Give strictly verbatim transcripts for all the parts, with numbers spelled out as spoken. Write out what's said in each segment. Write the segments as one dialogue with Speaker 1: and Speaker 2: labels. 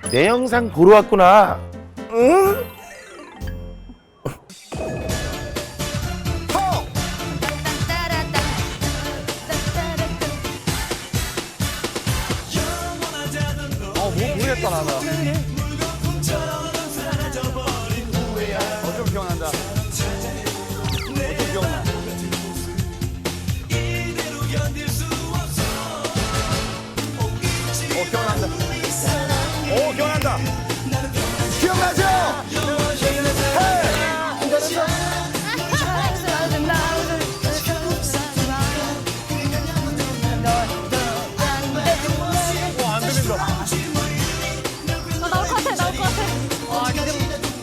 Speaker 1: 내 영상 보러 왔구나. 응?
Speaker 2: 어, 뭐 모르겠다 나는. 어, 좀 기억난다. 어, 좀 기억나. 어, 기억난다. 오, 기억난다. 기억나죠? 와, 안 들린다.
Speaker 3: 어, 나올 것 같아, 나올 것 같아. 와, 기대.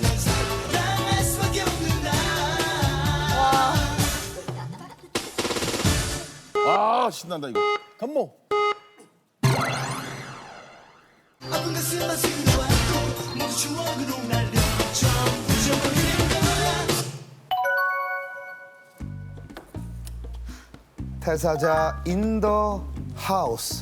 Speaker 4: 아 신난다 이거.
Speaker 2: 건모.
Speaker 5: 태사자 인더 하우스.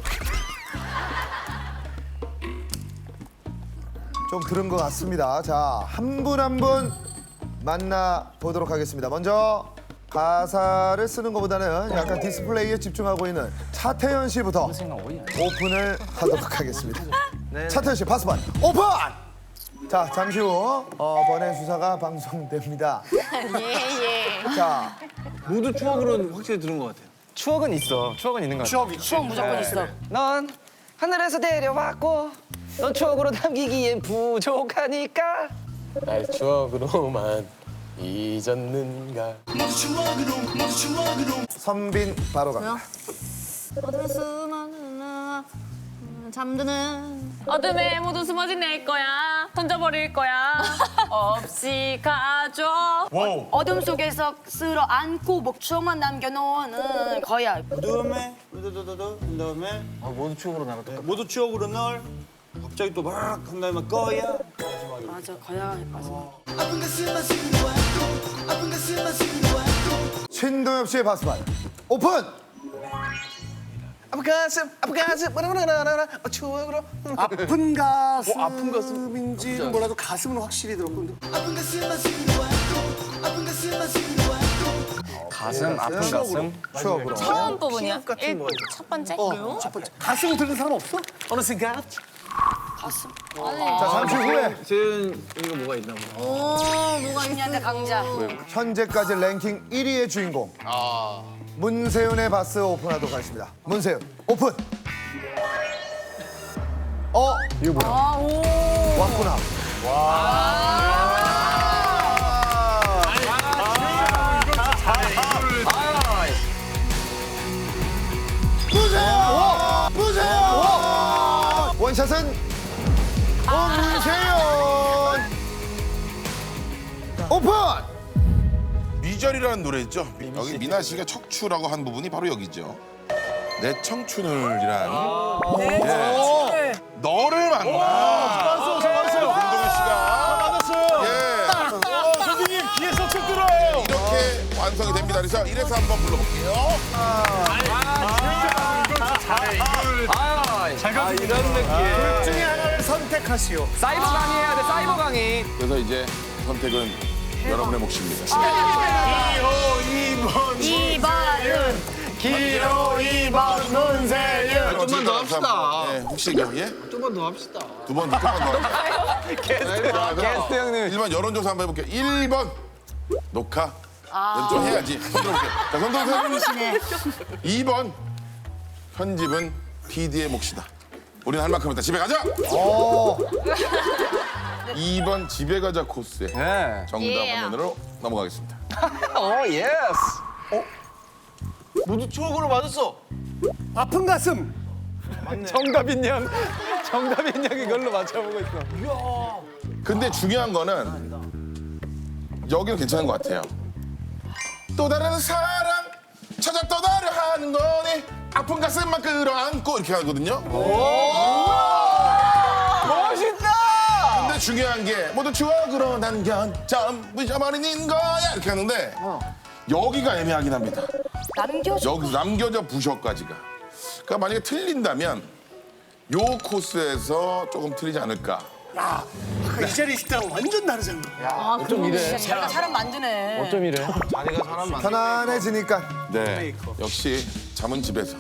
Speaker 5: 좀 들은 것 같습니다. 자, 한 분 한 분 만나 보도록 하겠습니다. 먼저 가사를 쓰는 것보다는 약간 디스플레이에 집중하고 있는 차태현 씨부터 오픈을 하도록 하겠습니다. 차태현 씨 파스판 오픈! 자, 잠시 후 어, 번외 수사가 방송됩니다.
Speaker 3: 예, 예.
Speaker 5: 자,
Speaker 2: 모두 추억으로는 확실히 들은 것 같아요.
Speaker 6: 추억은 있어. 추억은 있는 것 같아.
Speaker 2: 추억이.
Speaker 3: 추억 무조건 있어.
Speaker 6: 넌 하늘에서 데려왔고 넌 추억으로 남기기엔 부족하니까
Speaker 7: 날 추억으로만 잊었는가.
Speaker 5: 선빈 바로 갑니다.
Speaker 3: 어둠에 숨어는 잠드는 어둠에 모두 숨어진 내 거야 던져버릴 거야 없이 가줘
Speaker 2: 와우.
Speaker 3: 어둠 속에서 쓸어 안고 목초만 남겨놓는 거야.
Speaker 8: 그다음에 그다음에 그다음에
Speaker 2: 아, 모두 추억으로 나갔다.
Speaker 8: 모두 추억으로 널 갑자기 또 막 한 다음에 꺼야
Speaker 3: 맞아, 거야. 맞아.
Speaker 5: 신동엽 씨의 파스판 오픈!
Speaker 6: 아픈 가슴 아픈 가슴 바라바라라라 어, 추억으로
Speaker 2: 아픈 가슴. 어, 아픈 가슴인지는 몰라도 가슴은 확실히 들었거든.
Speaker 6: 가슴 아픈 가슴
Speaker 5: 추억으로.
Speaker 3: 처음 부분이야?
Speaker 2: 같은
Speaker 3: 일,
Speaker 2: 거
Speaker 3: 첫 번째?
Speaker 2: 어, 첫 번째. 가슴 들은 사람 없어? 어느 순간?
Speaker 3: 가슴.
Speaker 5: 자, 잠시 후에
Speaker 2: 재은 이거 뭐가 있나 보다.
Speaker 3: 오, 뭐가 있냐한테 강자.
Speaker 5: 현재까지 랭킹 일 위의 주인공 문세윤의 바스 오픈하도록 하겠습니다. 문세윤 오픈. 어
Speaker 3: 아, 오.
Speaker 5: 왔구나. 무세윤 무세윤 원샷은 문세윤 오픈.
Speaker 4: 미절이라는 노래 있죠. 여기 미나 씨가 척추라고 한 부분이 바로 여기죠. 내 청춘을이란. 예. 너를 만나.
Speaker 2: 왔어, 저 왔어요.
Speaker 4: 김동현 씨가
Speaker 2: 맞았어요.
Speaker 4: 예.
Speaker 2: 어, 선생님 귀에서 쭉 들어요.
Speaker 4: 이렇게 완성이 됩니다. 그래서 이래서 한번 불러볼게요.
Speaker 6: 아 이런 느낌
Speaker 2: 둘 중에 하나를 선택하시오.
Speaker 6: 사이버 강의 해야 돼 사이버 강의
Speaker 4: 그래서 이제 선택은 여러분의 몫입니다.
Speaker 3: 이 번은
Speaker 2: 기호 이 번 문세윤.
Speaker 4: 좀만 더 합시다. 예, 혹시 이거 예?
Speaker 2: 좀만 더 합시다.
Speaker 4: 두 번, 두 번 더.
Speaker 6: 게스트 형님
Speaker 4: 일 번 여론조사 한번 해볼게요. 일 번 녹화. 좀 해야지. 손 들어볼게요. 자, 손 들어보세요. 이 번 편집은 피디의 몫이다. 우리는 할 만큼 했다. 집에 가자. 이 번 집에 가자 코스의
Speaker 6: 네.
Speaker 4: 정답
Speaker 3: 예.
Speaker 4: 화면으로 넘어가겠습니다.
Speaker 6: 오 예스
Speaker 2: 모두 추억으로 맞았어. 아픈 가슴.
Speaker 6: 정답인 양 정답인 양 이걸로 맞춰보고 있어
Speaker 4: 근데 중요한 거는 여기는 괜찮은 것 같아요. 또 다른 사랑 찾아 떠나려 하는 거니 아픈 가슴만 끌어안고 이렇게 하거든요.
Speaker 6: 멋있다
Speaker 4: 근데 중요한 게 모두 추억으로 남겨 전부 잊어버리는 거야 이렇게 하는데 여기가 애매하긴 합니다.
Speaker 3: 남겨줘.
Speaker 4: 여기서 남겨져 부셔까지가. 그러니까 만약에 틀린다면 요 코스에서 조금 틀리지 않을까.
Speaker 2: 아, 아까 이 자리에 있을 때랑 완전 다르잖아.
Speaker 3: 아, 그럼 진짜 자기가 사람 만드네.
Speaker 7: 어쩜 이래?
Speaker 8: 자네가 사람 많.
Speaker 5: 편안해지니까.
Speaker 4: 네, 역시 잠은 집에서.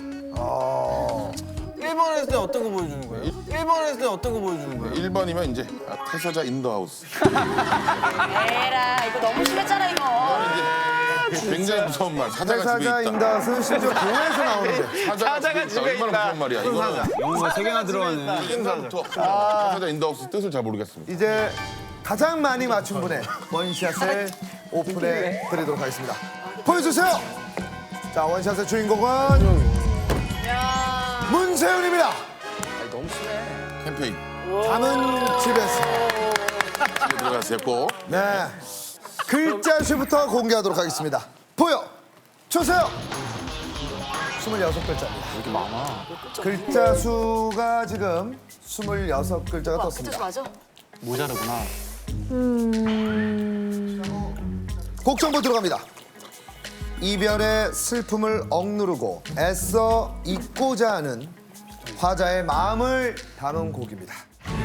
Speaker 6: 일 번 했을 때 어떤 거 보여주는 거예요? 일 번 했을 때 어떤 거 보여주는 거예요?
Speaker 4: 일 번이면 이제 아, 태서자 인더하우스.
Speaker 3: 에라, 이거 너무 심했잖아, 이거.
Speaker 4: 이제 굉장히 무서운 말. 사자가 집에
Speaker 5: 회사자
Speaker 4: 있다.
Speaker 5: 인다스는 심지어 공에서 나오는데.
Speaker 4: 사자가 집에 있다. 얼마나 무서운 말이야. 이거는
Speaker 8: 영어가 세 개나 들어가네.
Speaker 4: 옛날부터 태서자 인더하우스 뜻을 잘 모르겠습니다.
Speaker 5: 이제 가장 많이 맞춘 분의 원샷을 오픈해 드리도록 하겠습니다. 보여주세요. 자, 원샷의 주인공은 문세윤입니다.
Speaker 4: 캠페인
Speaker 5: 잠은 집에서.
Speaker 4: 집에 들어가세요. 꼭.
Speaker 5: 네. 글자 수부터 공개하도록 하겠습니다. 보여 주세요. 스물여섯 글자입니다. 이렇게 많아. 글자 수가 지금 스물여섯 글자가
Speaker 3: 와,
Speaker 5: 떴습니다.
Speaker 3: 맞아.
Speaker 7: 모자르구나.
Speaker 5: 곡 정보 들어갑니다. 이별의 슬픔을 억누르고 애써 잊고자 하는 화자의 마음을 담은 곡입니다.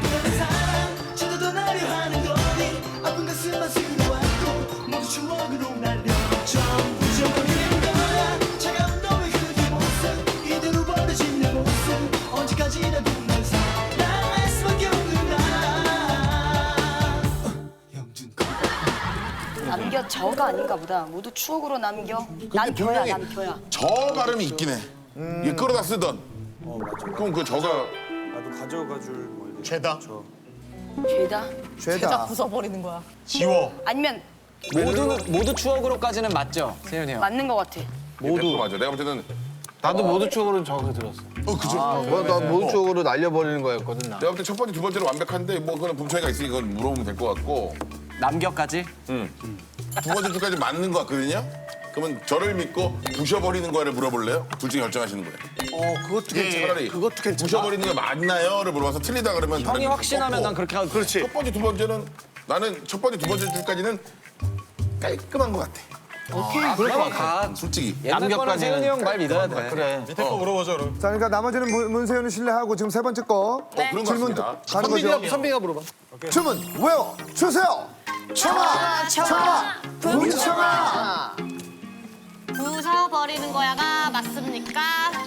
Speaker 3: 남겨 저가 아닌가 보다. 모두 추억으로 남겨. 남겨야,
Speaker 4: 분명히
Speaker 3: 남겨야.
Speaker 4: 저 발음이 있긴 해. 이게 끌어다 쓰던. 그럼 그 저가
Speaker 8: 나도 가져가 줄 뭐.
Speaker 2: 죄다.
Speaker 3: 죄다.
Speaker 5: 죄다.
Speaker 3: 부숴버리는 거야.
Speaker 2: 지워.
Speaker 3: 아니면
Speaker 7: 모두 모두 추억으로까지는 맞죠, 세윤이 형?
Speaker 3: 맞는 거 같아.
Speaker 4: 모두 맞아. 내가 볼 때는
Speaker 6: 나도 모두 추억으로 저거 들었어.
Speaker 4: 어 그죠.
Speaker 6: 나 모두 추억으로 날려버리는 거였거든, 나.
Speaker 4: 내가 볼 때 첫 번째, 두 번째로 완벽한데 뭐 그건 분차이가 있으니까 그건 물어보면 될 것 같고
Speaker 7: 남겨까지?
Speaker 4: 두 번째 줄까지 맞는 것 같거든요. 그러면 저를 믿고 부셔버리는 거를 물어볼래요? 둘 중에 결정하시는 거예요.
Speaker 2: 어, 그것도 괜찮아.
Speaker 4: 차라리
Speaker 2: 그것도 괜찮아.
Speaker 4: 부셔버리는 게 맞나요?를 물어봐서 틀리다 그러면
Speaker 7: 형이 확신하면 난 그렇게 하고.
Speaker 2: 그렇지.
Speaker 4: 첫 번째, 두 번째는 나는 첫 번째, 두 번째 줄까지는 깔끔한 것 같아.
Speaker 7: 아, 그러면 가.
Speaker 4: 솔직히.
Speaker 7: 옛날 거는 세윤이 형 말 믿어야 돼.
Speaker 6: 그래.
Speaker 8: 밑에 거 물어보자 그럼.
Speaker 5: 자, 그러니까 나머지는 문- 문세윤을 신뢰하고 지금 세 번째 거
Speaker 4: 어, 그런 것
Speaker 5: 질문
Speaker 4: 같습니다.
Speaker 5: 가는 거죠.
Speaker 2: 선비가, 선비가 물어봐.
Speaker 5: 주문 외워 주세요. 청아, 청아, 문청아.
Speaker 9: 부숴버리는 거야가 맞습니까?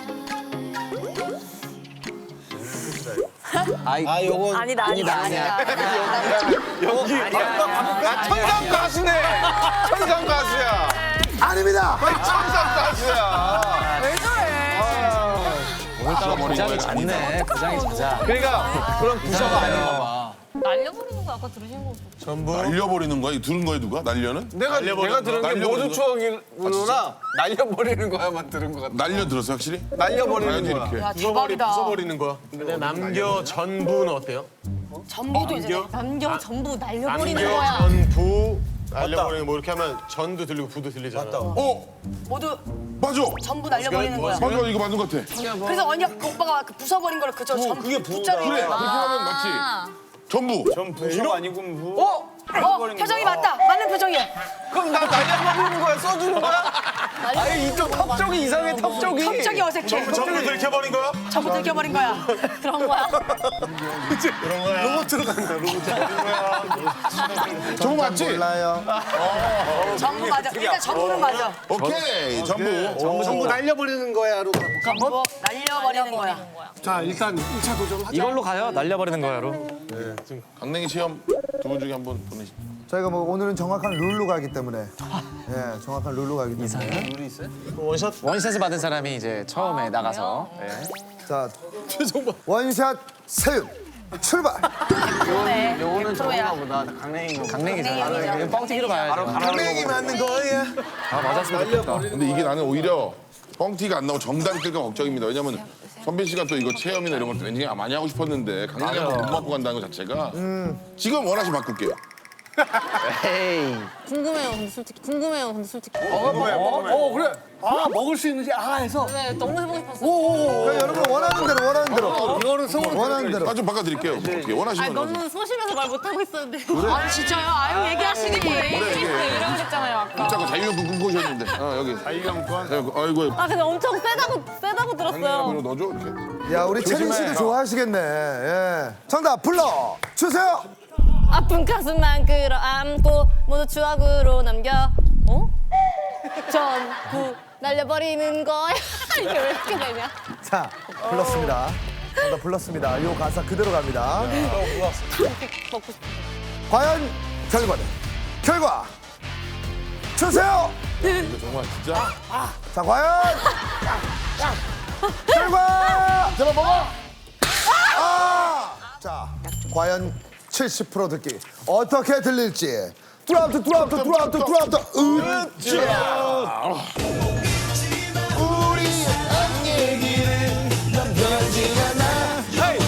Speaker 7: 아이,
Speaker 6: 아, 요건
Speaker 3: 아니다, 아니다, 아니다.
Speaker 6: 여기 나 천상 가수네. 천상 가수야.
Speaker 5: 아닙니다.
Speaker 6: 천상 가수야.
Speaker 7: 오늘따라 부장이 잦네. 부장이 잦아.
Speaker 6: 그러니까 그럼 부서가 아닌가 봐.
Speaker 9: 날려버리는 거 아까 들으신 거.
Speaker 4: 날려버리는 거야? 이거 들은 거야 누가? 날려는?
Speaker 6: 내가 내가 들은 게
Speaker 4: 날려버리는
Speaker 6: 모두
Speaker 4: 거?
Speaker 6: 추억이구나. 날려버리는 거야만 들은 것 같아.
Speaker 4: 날려 들었어 확실히?
Speaker 6: 날려버리는
Speaker 4: 봐야지
Speaker 6: 거야.
Speaker 4: 이렇게.
Speaker 3: 야, 대박이다.
Speaker 8: 버리는 거야. 근데 남겨 전부는 어때요?
Speaker 3: 전부도 이제
Speaker 9: 남겨 전부 날려버리는
Speaker 8: 남겨
Speaker 9: 거야.
Speaker 8: 전부 날려버리는 뭐 이렇게 하면 전도 들리고 부도 들리잖아.
Speaker 4: 어?
Speaker 3: 모두
Speaker 4: 맞아!
Speaker 3: 전부 날려버리는 거야.
Speaker 4: 맞아 이거 맞는 것 같아.
Speaker 3: 그래서 언니가 그 오빠가 그 부숴버린 거를 그저 전부
Speaker 8: 그게 부다.
Speaker 3: 붙잡이.
Speaker 4: 그래 그렇게 하면 맞지. 전부.
Speaker 8: 전 부서가 아니고 부.
Speaker 3: 어? 어? 표정이 맞다. 맞는 표정이야.
Speaker 6: 그럼 나 날려버리는 거야? 써주는 거야? 아니 이쪽 턱 쪽이 이상해 턱 쪽이.
Speaker 3: 갑자기 어색해.
Speaker 8: 전부 들켜버린 거야?
Speaker 3: 전부 들켜버린 거야.
Speaker 9: 그런 거야.
Speaker 2: 로봇 들어간다, 로봇.
Speaker 4: 전부 맞지?
Speaker 5: 몰라요.
Speaker 3: 전부 맞아. 일단 전부는 맞아.
Speaker 4: 오케이 전부.
Speaker 2: 전부 날려버리는 거야로 가볼까?
Speaker 3: 전부 날려버리는 거야.
Speaker 2: 자, 일단 일 차 도전 하자.
Speaker 7: 이걸로 가요? 날려버리는 거야로.
Speaker 4: 강냉이 시험 두 분 중에 한 분 보내시.
Speaker 5: 저희가 뭐 오늘은 정확한 룰로 가기 때문에 예, 정확한 룰로 가기 때문에
Speaker 8: 원샷.
Speaker 7: 원샷을 받은 사람이 이제 처음에 나가서. 네.
Speaker 5: 자 원샷 세윤 출발.
Speaker 3: 그러네. 백 퍼센트야.
Speaker 6: 보다 강냉이
Speaker 7: 강냉이잖아. 이거 뻥튀기로 가야죠.
Speaker 6: 강냉이 맞는 거야.
Speaker 7: 아, 맞았으면 좋겠다.
Speaker 4: 근데 이게 나는 오히려 뻥튀가 안 나오고 정답이 뜰까 걱정입니다. 왜냐면 선빈 씨가 또 이거 체험이나 이런 걸 굉장히 많이 하고 싶었는데 강냉이한테 못 맞고 간다는 것 자체가 지금 원하시 바꿀게요.
Speaker 7: 에이.
Speaker 9: 궁금해요, 근데 솔직히. 궁금해요, 근데 솔직히.
Speaker 2: 어 그래. 아 먹을 수 있는지 아 해서.
Speaker 9: 네, 너무 해보고 싶었어요.
Speaker 2: 오오오.
Speaker 5: 그러니까 여러분 원하는 대로 원하는 대로
Speaker 2: 이거는 성으로
Speaker 5: 원하는 대로.
Speaker 4: 아, 좀 바꿔드릴게요. 어떻게 원하시는
Speaker 9: 아니,
Speaker 4: 거.
Speaker 9: 너무 소심해서 말 못하고 있었는데.
Speaker 3: 아 진짜요? 아유 얘기하시니.
Speaker 4: 그래, 이게.
Speaker 9: 이러고 있잖아요, 아까.
Speaker 4: 자꾸 자유형권 꿈꾸셨는데. 어, 여기. 자유형권? 아이고.
Speaker 9: 아, 근데 엄청 세다고, 세다고 들었어요.
Speaker 4: 그리고 넣어줘, 이렇게.
Speaker 5: 야 우리 채린 씨도 좋아하시겠네. 예. 정답 불러 주세요.
Speaker 9: 아픈 가슴만 끌어안고 모두 추억으로 남겨. 어? 전부 날려버리는 거야. 이게 왜 이렇게 되냐?
Speaker 5: 자 불렀습니다. 정답 불렀습니다. 요 가사 그대로 갑니다.
Speaker 9: 먹고 싶어.
Speaker 5: 과연 결과는 결과 주세요.
Speaker 4: 이거 정말 진짜.
Speaker 5: 자 과연 결과
Speaker 4: 제발 먹어!
Speaker 5: 아! 자 과연 칠십 퍼센트 듣기 어떻게 들릴지 드랍트 드랍트 드랍트 드랍트 으쌰 우리 한 얘기는 넌 변하지 않아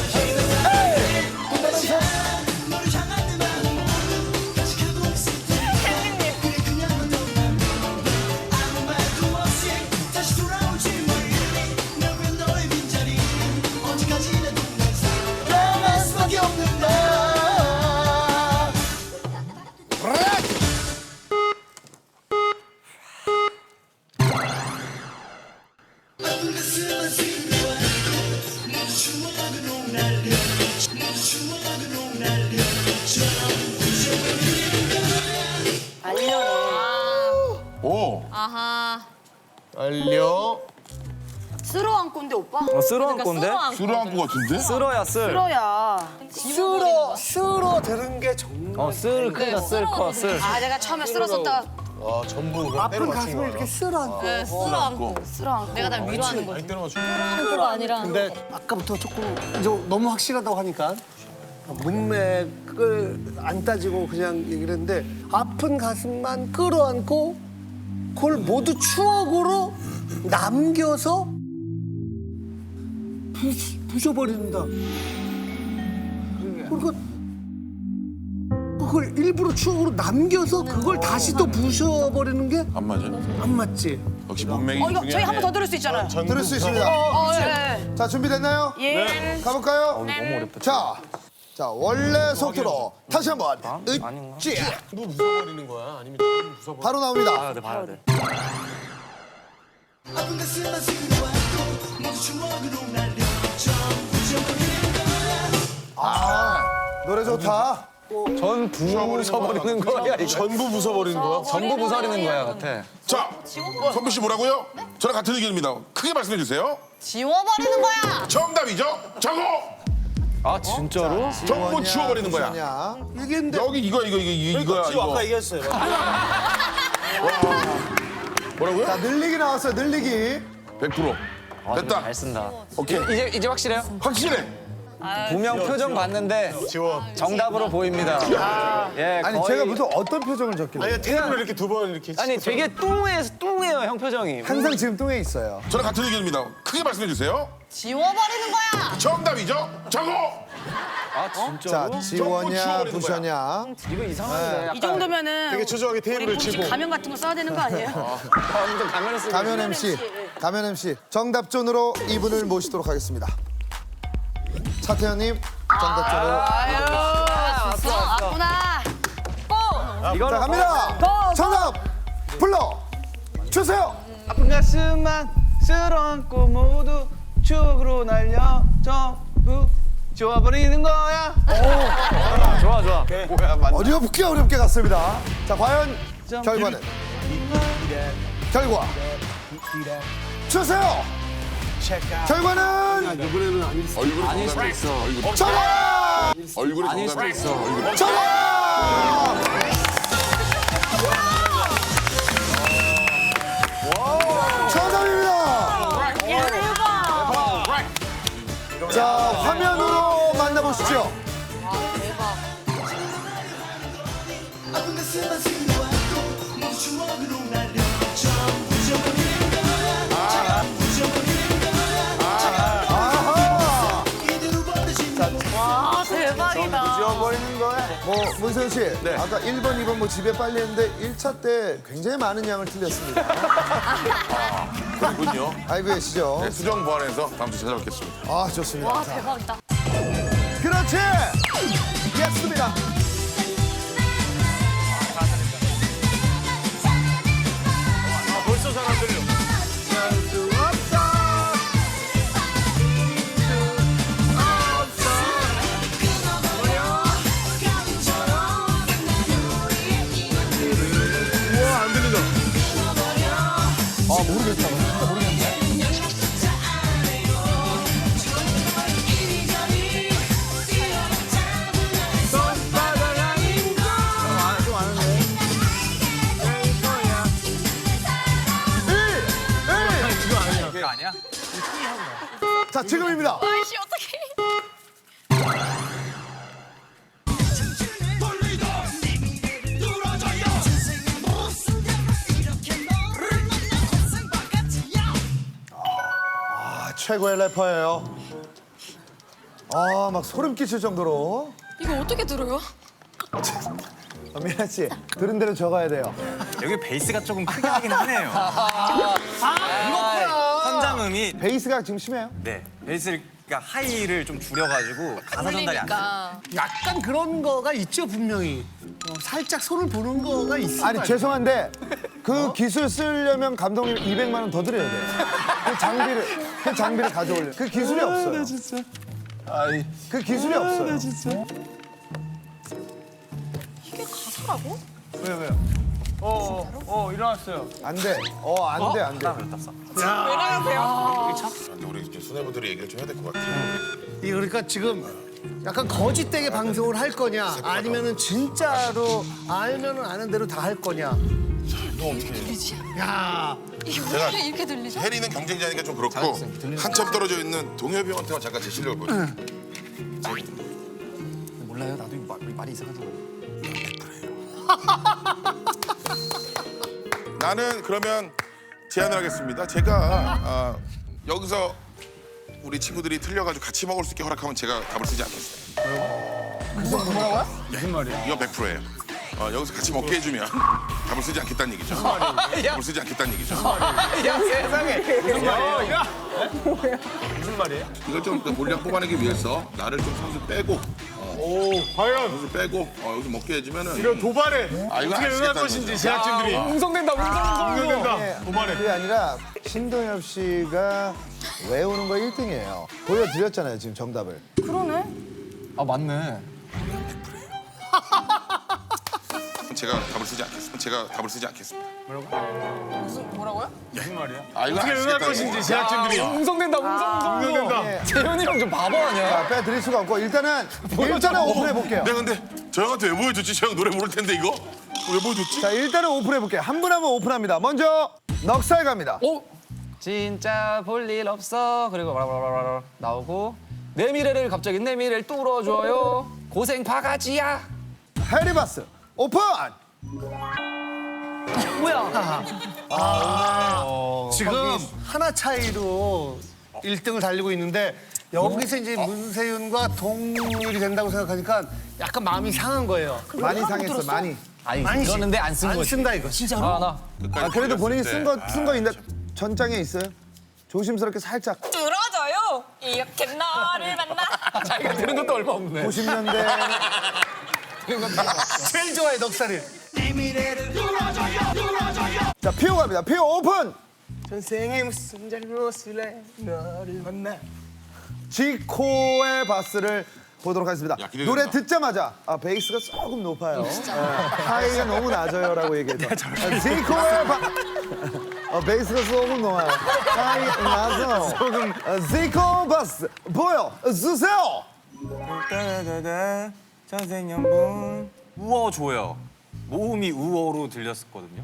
Speaker 4: 오!
Speaker 9: 아하.
Speaker 2: 알려.
Speaker 3: 쓸어 안고인데 오빠?
Speaker 7: 어, 쓸어 한
Speaker 9: 그러니까
Speaker 7: 건데?
Speaker 9: 쓸어 안고.
Speaker 4: 술을 한거 같은데?
Speaker 7: 쓸어야 쓸.
Speaker 3: 쓸어야.
Speaker 2: 쓸어 쓸어 들은 게 정말.
Speaker 7: 어, 쓸 크다, 쓸 커, 쓸.
Speaker 3: 아 내가 처음에 쓸었었다가
Speaker 2: 아픈 가슴을 이렇게 쓸어 안고.
Speaker 9: 네, 쓸어 안고.
Speaker 3: 쓸어 안고.
Speaker 9: 내가 날 위로하는 거지. 쓸어가 아니라.
Speaker 2: 근데 아까부터 조금 이제 너무 확실하다고 하니까 문맥을 안 따지고 그냥 얘기를 했는데 아픈 가슴만 끌어안고 그걸 모두 추억으로 남겨서 부, 부셔버린다. 그러니까 그걸 일부러 추억으로 남겨서 그걸 다시 또 부셔버리는 게 안
Speaker 4: 안 맞아.
Speaker 2: 맞지.
Speaker 4: 역시 문맥이
Speaker 3: 어 이거
Speaker 4: 중요해.
Speaker 3: 저희 한 번 더 들을 수 있잖아요.
Speaker 5: 들을 수 있습니다.
Speaker 3: 어 예.
Speaker 5: 자 준비됐나요?
Speaker 3: 예.
Speaker 5: 가볼까요?
Speaker 7: 너무 어렵다.
Speaker 5: 자, 자 원래 속도로 다시 한번
Speaker 7: 아닌가?
Speaker 5: 으쌰 바로 나옵니다.
Speaker 7: 봐야 돼, 봐야 돼.
Speaker 5: 노래 좋다.
Speaker 7: 전 부숴버리는 거야, 이거.
Speaker 8: 전부 부숴버리는 거야?
Speaker 7: 전부 부숴버리는 거야, 같아.
Speaker 4: 자, 선비 씨 뭐라고요? 저랑 같은 의견입니다. 크게 말씀해 주세요.
Speaker 9: 지워버리는 거야.
Speaker 4: 정답이죠? 정호!
Speaker 7: 아, 진짜로?
Speaker 4: 전부 지워버리는 거야.
Speaker 5: 부서냐?
Speaker 2: 얘기했는데
Speaker 4: 여기 이거 이거 이거 이거야
Speaker 8: 지금 아까
Speaker 4: 이거.
Speaker 8: 얘기했어요.
Speaker 4: 뭐라고요?
Speaker 5: 자 늘리기 나왔어요. 늘리기.
Speaker 4: 백 퍼센트.
Speaker 7: 아,
Speaker 4: 됐다.
Speaker 7: 잘 쓴다.
Speaker 4: 오케이.
Speaker 7: 이제, 이제 확실해요?
Speaker 4: 확실해.
Speaker 7: 분명 표정 봤는데
Speaker 8: 지워.
Speaker 7: 정답으로 보입니다. 예,
Speaker 5: 아니
Speaker 7: 거의-
Speaker 5: 제가 무슨 어떤 표정을 적길래?
Speaker 8: 아니 테이블을 이렇게 두 번 이렇게.
Speaker 7: 아니 되게 뚱해서 뚱해요, 형 표정이.
Speaker 5: 항상 지금 뚱에 있어요.
Speaker 4: 저랑 같은 의견입니다. 크게 말씀해 주세요.
Speaker 9: 지워버리는 거야.
Speaker 4: 정답이죠? 정호!
Speaker 7: 아, 진짜로?
Speaker 5: 자 지워냐
Speaker 4: 지워버리는
Speaker 5: 부셔냐?
Speaker 7: 이거 이상한데.
Speaker 3: 이 정도면은
Speaker 8: 되게 초조하게 테이블을
Speaker 3: 우리 혹시
Speaker 8: 치고.
Speaker 3: 가면 같은 거 써야 되는 거 아니에요?
Speaker 7: 아무튼 가면을 쓰고.
Speaker 5: 가면 엠씨, 가면 엠씨 정답존으로 이분을 모시도록 하겠습니다. 차태현님 정답존으로.
Speaker 3: 아유 왔어 왔구나.
Speaker 7: 이걸로
Speaker 5: 자 갑니다. 정답 불러 주세요.
Speaker 6: 아픈 가슴만 쓸어안고 모두 추억으로 날려 전부 지워버리는 거야.
Speaker 7: 좋아, 좋아.
Speaker 8: 뭐야 맞.
Speaker 5: 어렵게 어렵게 갔습니다. 자 과연 결과는 결과 주세요. 결과는
Speaker 2: 이번에는 아닐 수.
Speaker 4: 얼굴이 아닐 수도 있어. 얼굴.
Speaker 5: 정답.
Speaker 4: 얼굴이
Speaker 7: 아닐 수도
Speaker 4: 정답이야.
Speaker 7: 있어.
Speaker 4: 얼굴.
Speaker 5: 정답. 정답입니다. 자 화면으로 만나보시죠. 아하.
Speaker 9: 아, 대박. 대박이다.
Speaker 6: 지워버리는 거야.
Speaker 5: 뭐 문세윤 씨,
Speaker 4: 네.
Speaker 5: 아까 일 번, 이 번 뭐 집에 빨리 했는데 일 차 때 굉장히 많은 양을 틀렸습니다.
Speaker 4: 그렇군요.
Speaker 5: 알고 계시죠?
Speaker 4: 네, 수정 보완해서 다음 주 찾아뵙겠습니다.
Speaker 5: 아, 좋습니다.
Speaker 9: 와
Speaker 5: 자,
Speaker 9: 대박이다.
Speaker 5: 그렇지! 예스입니다.
Speaker 8: 벌써 잘 안 들려. 우와 안 들린다.
Speaker 5: 아, 모르겠다. 진짜 모르겠네.
Speaker 7: 그거 아니야?
Speaker 5: 자, 지금입니다.
Speaker 9: 아이씨 어떡해.
Speaker 5: 아, 최고의 래퍼예요. 아, 막 소름 끼칠 정도로.
Speaker 9: 이거 어떻게 들어요?
Speaker 5: 아, 미나 씨, 들은 대로 적어야 돼요.
Speaker 8: 여기 베이스가 조금 크게 하긴 하네요. 선장음이
Speaker 5: 베이스가 지금 심해요?
Speaker 8: 네 베이스가 하이를 좀 줄여가지고 가사 전달이 안 돼요.
Speaker 9: 그러니까.
Speaker 2: 약간 그런 거가 있죠 분명히. 어, 살짝 손을 보는 거가 있어.
Speaker 5: 아니, 죄송한데 그 기술 쓰려면 감독님 이백만 원 더 드려야 돼요. 그 장비를, 그 장비를 가져올려. 그 기술이 없어요.
Speaker 6: 아이,
Speaker 5: 그 기술이 없어요.
Speaker 9: 이게 가사라고?
Speaker 6: 왜 왜요? 어, 어, 어 일어났어요.
Speaker 5: 안 돼. 어, 안 돼, 안 돼.
Speaker 4: 근데 우리 이제 수뇌부들이 얘기를 좀 해야 될 것 같아요.
Speaker 2: 이 그러니까 지금 약간 거짓되게 방송을 할 거냐 아니면은 진짜로 알면은 아는 대로 다 할 거냐.
Speaker 9: 들리지?
Speaker 2: 야
Speaker 9: 이게
Speaker 4: 제가-
Speaker 9: 어떻게 이렇게 들리죠?
Speaker 4: 해리는 경쟁자니까 좀 그렇고 한참 떨어져 있는 동엽이 형한테만 잠깐 제 실력을 보여주세요.
Speaker 7: 몰라요. 나도 이거 말, 말이 이상하잖아.
Speaker 4: 나는 그러면 제안을 하겠습니다. 제가 아, 여기서 우리 친구들이 틀려가지고 같이 먹을 수 있게 허락하면 제가 답을 쓰지 않겠어요.
Speaker 5: 그 정도 뭐라고요?
Speaker 4: 무슨 말이야? 이거 백 퍼센트예요. 어, 여기서 같이 먹게 해주면 답을 쓰지 않겠다는 얘기죠. 답을 쓰지 않겠다는 얘기죠.
Speaker 6: 야 세상에. 무슨 말이에요? 무슨 말이에요?
Speaker 4: 이걸 좀 물량 뽑아내기 위해서 나를 좀 선수 빼고
Speaker 8: 오 과연
Speaker 4: 선수 빼고 어, 여기서 먹게 해주면은
Speaker 8: 이런 도발에
Speaker 4: 아, 이건
Speaker 8: 어떻게
Speaker 4: 알 수
Speaker 8: 응할
Speaker 4: 있다는
Speaker 8: 것인지
Speaker 4: 거죠.
Speaker 8: 제작진들이
Speaker 6: 웅성된다, 웅성, 웅성된다.
Speaker 5: 네,
Speaker 8: 도발해.
Speaker 5: 그게 아니라 신동엽 씨가 외우는 거 일 등이에요. 보여드렸잖아요, 지금 정답을.
Speaker 3: 그러네.
Speaker 7: 아 맞네.
Speaker 4: 제가 답을 쓰지 않겠습니다. 제가 답을 쓰지 않겠습니다.
Speaker 9: 무슨 뭐라고요?
Speaker 8: 무슨 말이야?
Speaker 4: 아, 이건
Speaker 8: 어떻게
Speaker 4: 알 수
Speaker 8: 응할
Speaker 4: 있다는
Speaker 8: 것인지
Speaker 4: 얘기죠.
Speaker 8: 제작진들이
Speaker 6: 웅성된다, 웅성, 웅성.
Speaker 8: 웅성된다.
Speaker 7: 재현이 형 좀 바보 아니야?
Speaker 5: 자, 빼드릴 수가 없고 일단은 일단은 오픈해 볼게요.
Speaker 4: 내가 근데 저 형한테 왜 보여줬지? 저 형 노래 모를 텐데 이거 왜 보여줬지?
Speaker 5: 자, 일단은 오픈해 볼게요. 한 분 한 분 오픈합니다. 먼저 넉살 갑니다.
Speaker 7: 오! 진짜 볼 일 없어. 그리고 라라라라 나오고 내 미래를 갑자기 내 미래를 뚫어줘요. 고생 바가지야.
Speaker 5: 해리바스 오픈.
Speaker 2: 지금 하나 차이로 일 등을 달리고 있는데 여기서 이제 문세윤과 동률이 된다고 생각하니까 약간 마음이 상한 거예요.
Speaker 5: 많이 상했어, 많이.
Speaker 7: 아니
Speaker 2: 많이
Speaker 7: 그러는데 안 쓴
Speaker 2: 안
Speaker 7: 거지.
Speaker 2: 쓴다 이거 진짜로.
Speaker 7: 아 나.
Speaker 5: 아, 그래도 본인이
Speaker 4: 네.
Speaker 5: 쓴 거 쓴 거 있는데 전장에 있어요? 조심스럽게 살짝
Speaker 9: 들어줘요. 이렇게 너를 만나.
Speaker 7: 자기가 들은 것도 얼마 없네.
Speaker 5: 구십 년대
Speaker 2: 제일 좋아해 넉살이.
Speaker 5: 자, 피오 갑니다. 피오 오픈.
Speaker 6: 전생에 무슨 잘못을 해 너를 만나.
Speaker 5: 지코의 바스를 보도록 하겠습니다.
Speaker 4: 야, 기대된다.
Speaker 5: 노래 듣자마자 아, 베이스가 조금 높아요. 네, 하이가 너무 낮아요라고 얘기해서 아, 지코의 바 어, 베이스가 조금 높아요. 하이 낮아요. 조금 지코 바스 보여 주세요.
Speaker 8: 따다다다 전생연분 우어줘요. 모음이 우어로 들렸었거든요.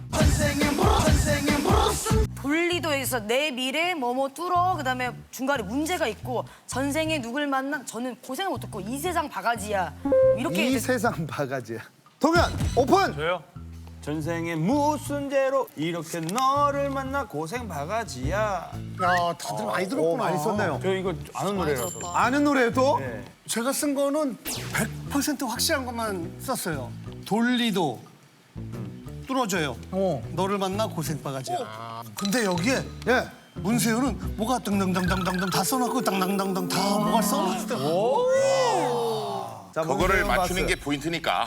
Speaker 3: 돌리도에서 내 미래 뭐뭐 뚫어 그다음에 중간에 문제가 있고 전생에 누굴 만나 저는 고생을 못 듣고 이 세상 바가지야 이렇게
Speaker 5: 이
Speaker 3: 이제
Speaker 5: 세상 바가지야. 동현 오픈.
Speaker 8: 저요? 전생에 무슨 죄로 이렇게 너를 만나 고생 바가지야.
Speaker 2: 야, 다들 많이
Speaker 5: 오,
Speaker 2: 들었구나.
Speaker 5: 많이 썼네요.
Speaker 8: 저 이거 아는 노래라서.
Speaker 5: 아는 노래요 또?
Speaker 8: 네.
Speaker 2: 제가 쓴 거는 백 퍼센트 확실한 것만 썼어요. 돌리도 뚫어줘요. 너를 만나 고생바가지야. 근데 여기에
Speaker 5: 예.
Speaker 2: 문세윤은 뭐가 등등등등등등 다 써놓고 당당당당 다 뭐가 써놨어요.
Speaker 5: 자,
Speaker 4: 그거를
Speaker 5: 문세윤
Speaker 4: 맞추는
Speaker 5: 바스.
Speaker 4: 게 포인트니까.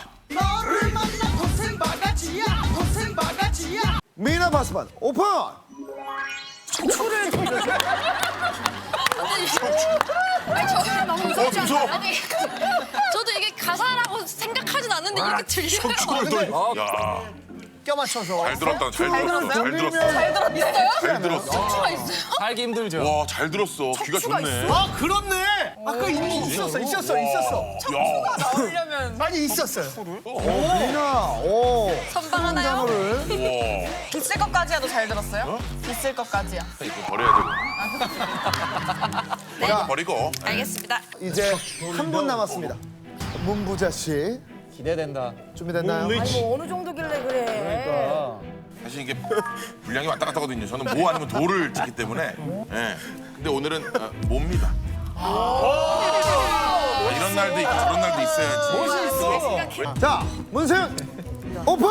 Speaker 5: 미나 바스반 오픈.
Speaker 9: 아니 저는 너무 무섭지
Speaker 4: 어, 무서워.
Speaker 9: 않아요? 아니 저도 이게 가사라고 생각하진 않는데 이렇게 들려요.
Speaker 4: 야,
Speaker 2: 껴 맞춰서.
Speaker 4: 잘 들었다. 잘 들었어. 잘 들었어.
Speaker 9: 잘 들었어요?
Speaker 4: 잘 들었어.
Speaker 9: 척추가 있어요?
Speaker 7: 살기 힘들죠.
Speaker 4: 와, 잘 들었어. 귀가 좋네.
Speaker 2: 아, 그렇네. 아까 이미 있었어, 있었어, 있었어.
Speaker 4: 야,
Speaker 9: 나오려면
Speaker 2: 많이 있었어요.
Speaker 5: 미나. 오.
Speaker 9: 선방 하나요?
Speaker 5: 단어를.
Speaker 4: 우와.
Speaker 9: 있을 것까지야도 잘 들었어요? 있을 것까지야.
Speaker 4: 이거 버려야 되고.
Speaker 5: 자,
Speaker 4: 버리고.
Speaker 9: 알겠습니다.
Speaker 5: 이제 한 분 남았습니다. 문부자 씨
Speaker 7: 기대된다.
Speaker 5: 준비됐나요?
Speaker 3: 아니 뭐 어느 정도길래 그래.
Speaker 4: 사실 이게 분량이 왔다 갔다 하거든요. 저는 모 아니면 도를 찍기 때문에. 예. 근데 오늘은 어, 모입니다. 아, 이런 날도 있고 저런 날도 있어야지.
Speaker 5: 자, 문세윤 오픈.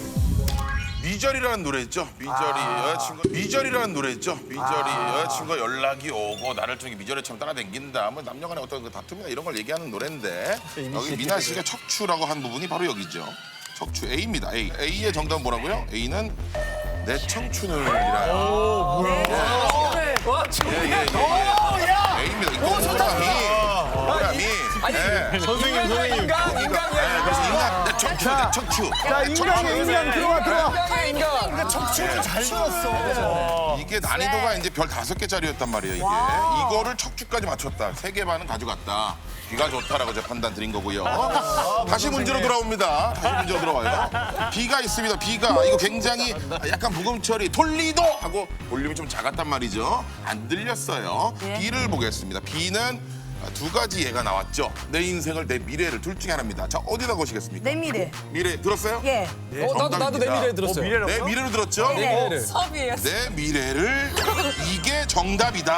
Speaker 4: 미절이라는 노래 있죠? 미절이 여자친구 미절이라는 노래 있죠? 미절이 여자친구가 연락이 오고 나를 좀 미절애처럼 따라다닌다. 뭐 남녀간의 어떤 그 다툼이나 이런 걸 얘기하는 노래인데 여기 미나 씨가 척추라고 한 부분이 바로 여기죠. 척추 A입니다. A. A의 정답은 뭐라고요? A는 내 청춘을 이라요. 예예예. 예, 예. A입니다. 이 동그라미. 동그라미. 예.
Speaker 8: 선생님, 선생님.
Speaker 7: 인간, 인간,
Speaker 4: 예, 그래서 인간 내 척추, 내 척추.
Speaker 5: 자, 인간의 인간 들어와 들어와.
Speaker 7: 인간.
Speaker 2: 척추를 잘 들었어.
Speaker 4: 이게 난이도가 이제 별 다섯 개짜리였단 말이에요, 이게. 이거를 척추까지 맞췄다. 세 개 반은 가져갔다. 귀가 좋다라고 제 판단 드린 거고요. 다시 문제로 돌아옵니다. 다시 문제로 들어와요. 비가 있습니다. 비가 이거 굉장히 약간 부금 처리 톨리도 하고 볼륨이 좀 작았단 말이죠. 안 들렸어요. 비를 보겠습니다. 비는 두 가지 예가 나왔죠. 내 인생을 내 미래를 둘 중에 하나입니다. 자, 어디다 거시겠습니다.
Speaker 3: 내 미래.
Speaker 4: 미래 들었어요?
Speaker 3: 예.
Speaker 7: 어, 나도 나도 내 미래 들었어요.
Speaker 4: 내 미래를 들었죠?
Speaker 7: 내 미래를.
Speaker 9: 섭이에요.
Speaker 4: 내 미래를 이게 정답이다.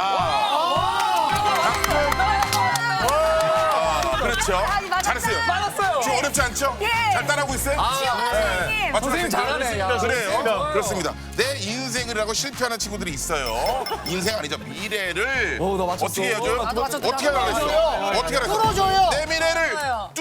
Speaker 4: 아, 그렇죠. 잘했어요.
Speaker 7: 맞았어요.
Speaker 4: 좀 어렵지 않죠? 잘 따라하고 있어요?
Speaker 3: 선생님.
Speaker 4: 맞죠?
Speaker 7: 선생님 잘하네. 야.
Speaker 4: 그래요. 그렇습니다. 내 인생을 하고 실패하는 친구들이 있어요. 인생 아니죠. 미래를
Speaker 7: 오, 너 맞췄어.
Speaker 4: 어떻게 해야죠?
Speaker 7: 나도
Speaker 3: 맞췄어.
Speaker 4: 어떻게 하라 그랬어? 어떻게 하라 그랬어?
Speaker 2: 뚫어줘요.
Speaker 4: 내 미래를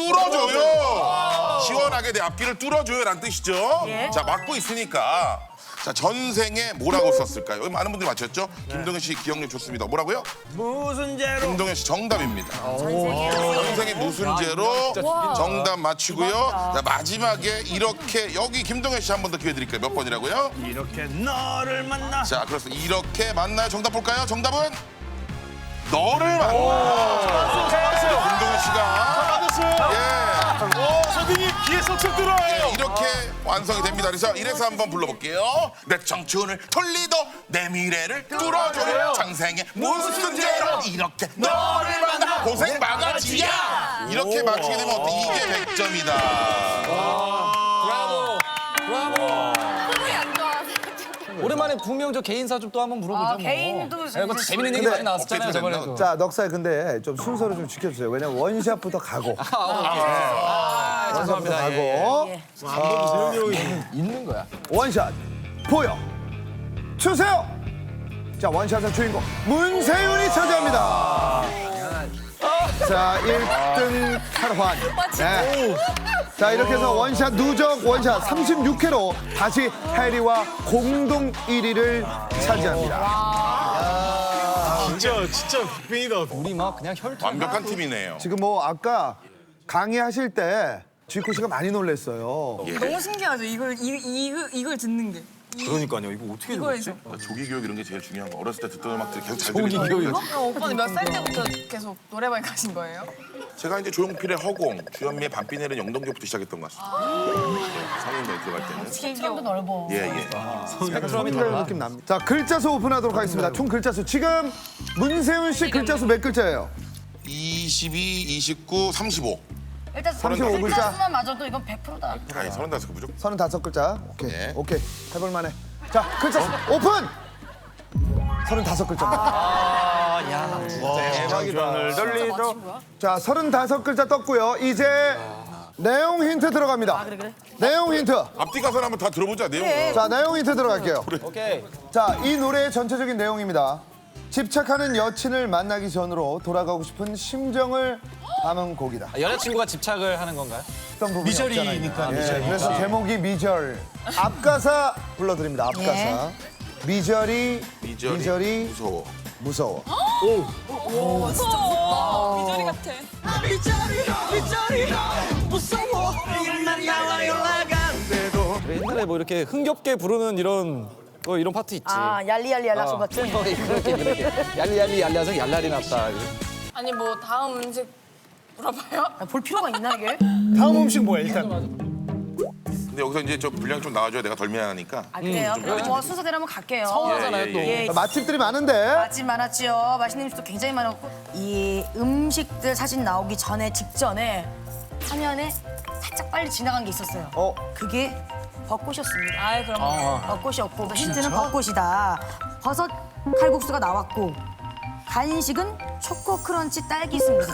Speaker 4: 뚫어줘요. 시원하게 내 앞길을 뚫어줘요라는 뜻이죠. 자, 맞고 있으니까. 자, 전생에 뭐라고 썼을까요? 여기 많은 분들이 맞췄죠? 김동현 씨 기억력 좋습니다. 뭐라고요?
Speaker 8: 무슨 죄로
Speaker 4: 김동현 씨 정답입니다. 전생에 무슨 죄로 정답 맞추고요. 자, 마지막에 이렇게 여기 김동현 씨 한 번 더 기회 드릴게요. 몇 번이라고요?
Speaker 8: 이렇게 너를 만나.
Speaker 4: 자, 그렇습니다. 이렇게 만나요. 정답 볼까요? 정답은 너를 만나. 김동현 씨가 예.
Speaker 8: 선생님 귀에 쏙쏙 들어요.
Speaker 4: 예, 이렇게 완성이 됩니다. 그래서 이래서 한번 불러볼게요. 내 청춘을 돌리도 내 미래를 뚫어줘요. 장생에 무슨 죄로 이렇게 너를 만나 고생 바가지야. 이렇게 맞추게 되면 어때? 이게 백 점이다.
Speaker 7: 브라보. 브라보.
Speaker 9: 소리 안 좋아.
Speaker 7: 오랜만에 분명 저 개인사 좀 또 한번 물어보자.
Speaker 3: 아,
Speaker 7: 뭐.
Speaker 3: 개인도
Speaker 7: 네, 그거 재밌는 얘기
Speaker 5: 근데
Speaker 7: 많이 나왔었잖아요,
Speaker 4: 업데이트
Speaker 7: 저번에도.
Speaker 5: 자, 넉살 근데 좀 순서를 좀 지켜주세요. 왜냐면 원샷부터 가고.
Speaker 7: 아,
Speaker 5: 원샷부터
Speaker 7: 죄송합니다. 예.
Speaker 5: 가고.
Speaker 7: 있는 거야.
Speaker 5: 원샷 보여 주세요. 자, 원샷의 주인공 문세윤이 차지합니다. 자, 일 등 탈환. 네. 자, 이렇게 해서 원샷 누적 원샷 삼십육 회로 다시 해리와 공동 일 위를 차지합니다.
Speaker 8: 진짜 진짜 빅뱅이다.
Speaker 7: 우리 막 그냥 혈투.
Speaker 4: 완벽한 팀이네요.
Speaker 5: 지금 뭐 아까 강의하실 때 지코 씨가 많이 놀랐어요.
Speaker 9: 너무 신기하죠. 이걸 이, 이걸 이걸 듣는 게.
Speaker 8: 그러니까요. 이거 어떻게
Speaker 9: 이거에서.
Speaker 4: 조기 교육 이런 게 제일 중요한 거. 어렸을 때 듣던 음악들이 계속 잘
Speaker 7: 조기
Speaker 4: 들리는
Speaker 7: 교육.
Speaker 4: 거.
Speaker 9: 그럼 오빠는 몇 살 때부터 계속 노래방 가신 거예요?
Speaker 4: 제가 이제 조용필의 허공, 주현미의 밤비 내리는 영동교부터 시작했던 것 같습니다. 네, 성인반에 들어갈 때는.
Speaker 3: 스케일도 넓어.
Speaker 4: 예, 예.
Speaker 7: 스펙트럼이
Speaker 5: 그런
Speaker 7: 달라.
Speaker 5: 느낌 납니다. 자, 글자 수 오픈하도록 하겠습니다. 총 글자 수 지금 문세윤 씨 글자 수 몇 글자예요?
Speaker 4: 이십이, 이십구, 삼십오.
Speaker 3: 일단
Speaker 5: 삼십오 글자.
Speaker 3: 수만 맞아도 이건 백 퍼센트다.
Speaker 4: 아니 서른다섯 개 무조건.
Speaker 5: 서른다섯 글자. 오케이.
Speaker 4: 네.
Speaker 5: 오케이. 해볼 만해. 자, 글자 오픈. 서른다섯 글자.
Speaker 8: 대박이다. 돌리도.
Speaker 5: 자, 서른다섯 글자 떴고요. 이제 내용 힌트 들어갑니다.
Speaker 3: 그래 그래.
Speaker 5: 내용 힌트.
Speaker 4: 앞뒤 가사를 한번 다 들어보자 내용.
Speaker 5: 자, 내용 힌트 들어갈게요.
Speaker 6: 오케이.
Speaker 5: 자, 이 노래의 전체적인 내용입니다. 집착하는 여친을 만나기 전으로 돌아가고 싶은 심정을 담은 곡이다.
Speaker 7: 아, 여자친구가 집착을 하는 건가요?
Speaker 5: 어떤 부분이 미절이니까. 예, 그래서 제목이 미절. 앞가사 불러드립니다. 앞가사.
Speaker 3: 예.
Speaker 5: 미절이
Speaker 4: 미절이,
Speaker 5: 미절이
Speaker 4: 무서워.
Speaker 5: 무서워.
Speaker 9: 오, 진짜 무섭다. 미저리 같아.
Speaker 7: 그래, 옛날에 뭐 이렇게 흥겹게 부르는 이런 뭐 이런 파트 있지.
Speaker 3: 아 얄리얄리 얄라소
Speaker 7: 어,
Speaker 3: 같은.
Speaker 7: 그렇게 그렇게 그렇게 얄리얄리 얄리아서 얄랄이 났다.
Speaker 9: 아니 뭐 다음 음식 물어봐요?
Speaker 3: 아, 볼 필요가 있나 이게?
Speaker 2: 다음 음식 뭐야 일단?
Speaker 4: 근데 여기서 이제 저 분량 좀 나와줘야 내가 덜 미안하니까.
Speaker 3: 아 그래요?
Speaker 4: 좀
Speaker 3: 그럼
Speaker 4: 그러지.
Speaker 3: 뭐 순서대로 한번 갈게요.
Speaker 7: 서운하잖아요
Speaker 4: 예,
Speaker 7: 또.
Speaker 4: 예,
Speaker 3: 예,
Speaker 5: 맛집들이 많은데.
Speaker 3: 맛집 많았지요. 맛있는 음식도 굉장히 많았고 이 음식들 사진 나오기 전에 직전에 화면에 살짝 빨리 지나간 게 있었어요.
Speaker 5: 어.
Speaker 3: 그게 벚꽃이었습니다.
Speaker 9: 아이 그럼
Speaker 3: 벚꽃이었고 힌트는 벚꽃이다. 버섯 칼국수가 나왔고 간식은 초코 크런치 딸기스입니다.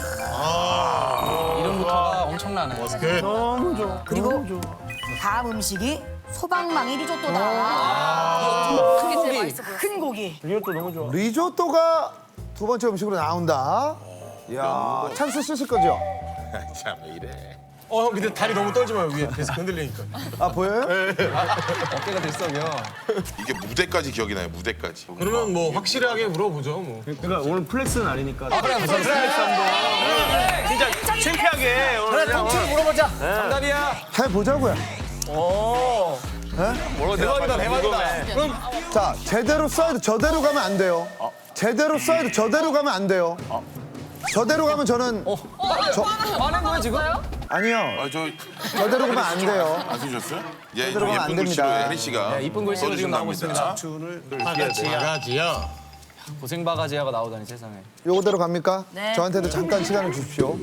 Speaker 7: 이름부터가 엄청나네.
Speaker 3: 그리고 다음 음식이 소방망이 리조또다.
Speaker 9: 그게 제일 맛있어 보여.
Speaker 3: 큰 고기.
Speaker 5: 리조또가 두 번째 음식으로 나온다. 이야, 찬스 쓰실 거죠?
Speaker 4: 참왜 이래.
Speaker 8: 어, 형 근데 다리 너무 떨지 마요 위에 계속 흔들리니까.
Speaker 5: 아, 보여요?
Speaker 7: 어깨가 들썩여.
Speaker 4: 이게 무대까지 기억이 나요. 무대까지.
Speaker 8: 그러면 뭐 확실하게 물어보죠 뭐.
Speaker 6: 그러니까 오늘 플렉스는 아니니까.
Speaker 8: 그래 무슨 플렉스 한번. 진짜 창피하게 오늘.
Speaker 2: 그래 통째로 물어보자.
Speaker 7: 정답이야.
Speaker 5: 해보자고요.
Speaker 8: 오. 대박이다 대박이다. 그럼
Speaker 5: 자, 제대로 써야 돼. 저대로 가면 안 돼요. 제대로 써야 돼. 저대로 가면 안 돼요. 저대로 가면 저는 저
Speaker 7: 화낸 거야 지금?
Speaker 5: 아니요.
Speaker 4: 아저
Speaker 5: 저대로 가면 안 돼요.
Speaker 4: 안 쓰셨어요? 예,
Speaker 5: 제대로 가면 안
Speaker 4: 예쁜 글씨로
Speaker 5: 됩니다.
Speaker 4: 혜리 씨가
Speaker 7: 네, 이쁜 글씨로 지금 나오고 있습니다.
Speaker 8: 바가지야.
Speaker 7: 고생 바가지야가 나오다니 세상에.
Speaker 5: 요거대로 갑니까?
Speaker 3: 네.
Speaker 5: 저한테도 잠깐 시간을 주십시오.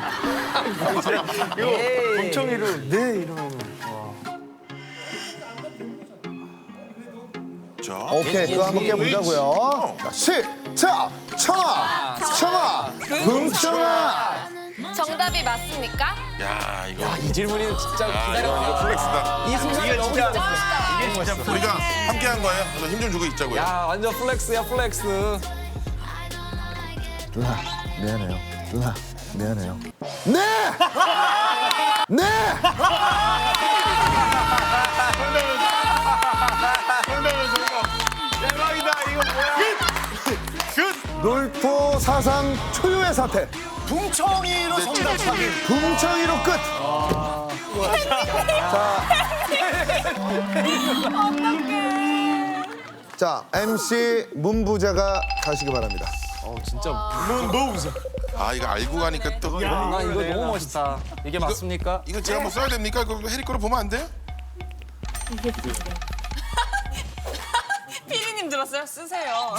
Speaker 8: 엄청이로 네 이러면.
Speaker 4: 자,
Speaker 5: 오케이, 그거 한번 깨보자고요. 자, 시작! 청아! 청아! 흥청아!
Speaker 9: 정답이 맞습니까?
Speaker 4: 야 이거.
Speaker 7: 이 질문이 진짜
Speaker 4: 야,
Speaker 7: 기다려.
Speaker 4: 이거, 이거 플렉스다.
Speaker 7: 이 순간이 너무 기다렸어.
Speaker 4: 우리가 함께 한 거예요. 그래서 힘 좀 주고 있자고요.
Speaker 7: 야 완전 플렉스야 플렉스.
Speaker 5: 누나, 미안해요. 누나, 미안해요. 네! 네!
Speaker 8: 대박이다 이거 뭐야?
Speaker 5: 놀토 사상 초유의 사태.
Speaker 2: 붕청이로 정답 확인.
Speaker 5: 붕청이로 끝. 자. 자, 엠씨 문부자가 가시기 바랍니다.
Speaker 7: 어 진짜.
Speaker 8: 뭐 웃어?
Speaker 4: 아 이거 알고 가니까 또.
Speaker 7: 나 이거 너무 멋있다. 이게 맞습니까?
Speaker 4: 이거 제가 뭐 써야 됩니까? 그거 혜리 거로 보면 안 돼요?
Speaker 9: 피디님 들었어요? 쓰세요.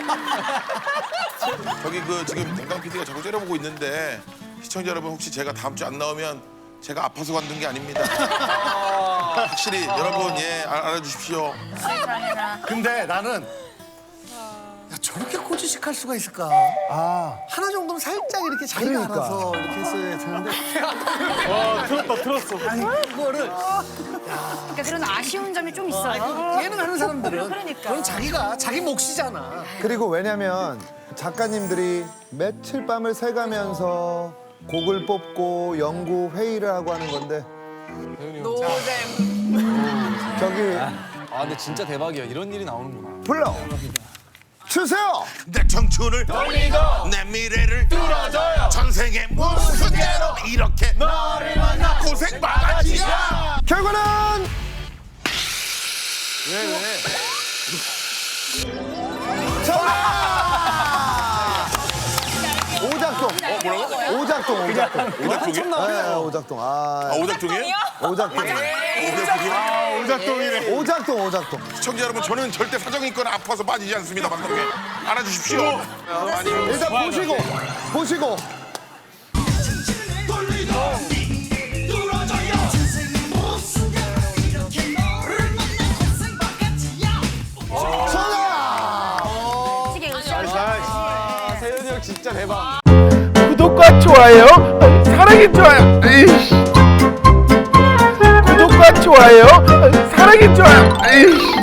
Speaker 4: 저기 그 지금 동강 피디가 자꾸 째려보고 있는데 시청자 여러분 혹시 제가 다음 주 안 나오면 제가 아파서 관둔 게 아닙니다. 확실히 여러분 예 알- 알아주십시오.
Speaker 2: 근데 나는 야, 저렇게 꼬지식할 수가 있을까?
Speaker 5: 아,
Speaker 2: 하나 정도는 살짝 이렇게 자기가
Speaker 5: 그러니까.
Speaker 2: 알아서 이렇게 했어야 되는데
Speaker 8: 들었다 들었어.
Speaker 2: 아니 그거를
Speaker 3: 그러니까 그런 아쉬운 점이 좀 있어요.
Speaker 2: 예능하는 사람들은
Speaker 3: 그러니까.
Speaker 2: 그건 자기가 자기 몫이잖아.
Speaker 5: 그리고 왜냐면 작가님들이 며칠 밤을 새가면서 곡을 뽑고 연구 회의를 하고 하는 건데
Speaker 9: 노잼.
Speaker 5: 저기
Speaker 7: 아 근데 진짜 대박이야. 이런 일이 나오는구나.
Speaker 5: 불러 주세요.
Speaker 4: 내 청춘을 돌리고 내 미래를 뚫어줘요. 전생에 무슨 죄로 이렇게 너를 만나 고생 바가지야.
Speaker 5: 결과는 오작동.
Speaker 4: 어 뭐라고?
Speaker 5: 오작동, 오작동.
Speaker 4: 오작동이요?
Speaker 5: 네, 오작동. 아,
Speaker 4: 아 오작동이에요?
Speaker 5: 오작동.
Speaker 4: 오작동이요?
Speaker 8: 오작동이래.
Speaker 5: 오작동, 오작동.
Speaker 4: 시청자 여러분 저는 절대 사정이 있거나 아파서 빠지지 않습니다. 방송에 알아주십시오. 많이
Speaker 5: 일단 보시고, 보시고.
Speaker 6: 진짜 대박.
Speaker 1: 구독과 좋아요 사랑해 좋아요. 에이씨. 구독과 좋아요 사랑해 좋아요. 에이씨.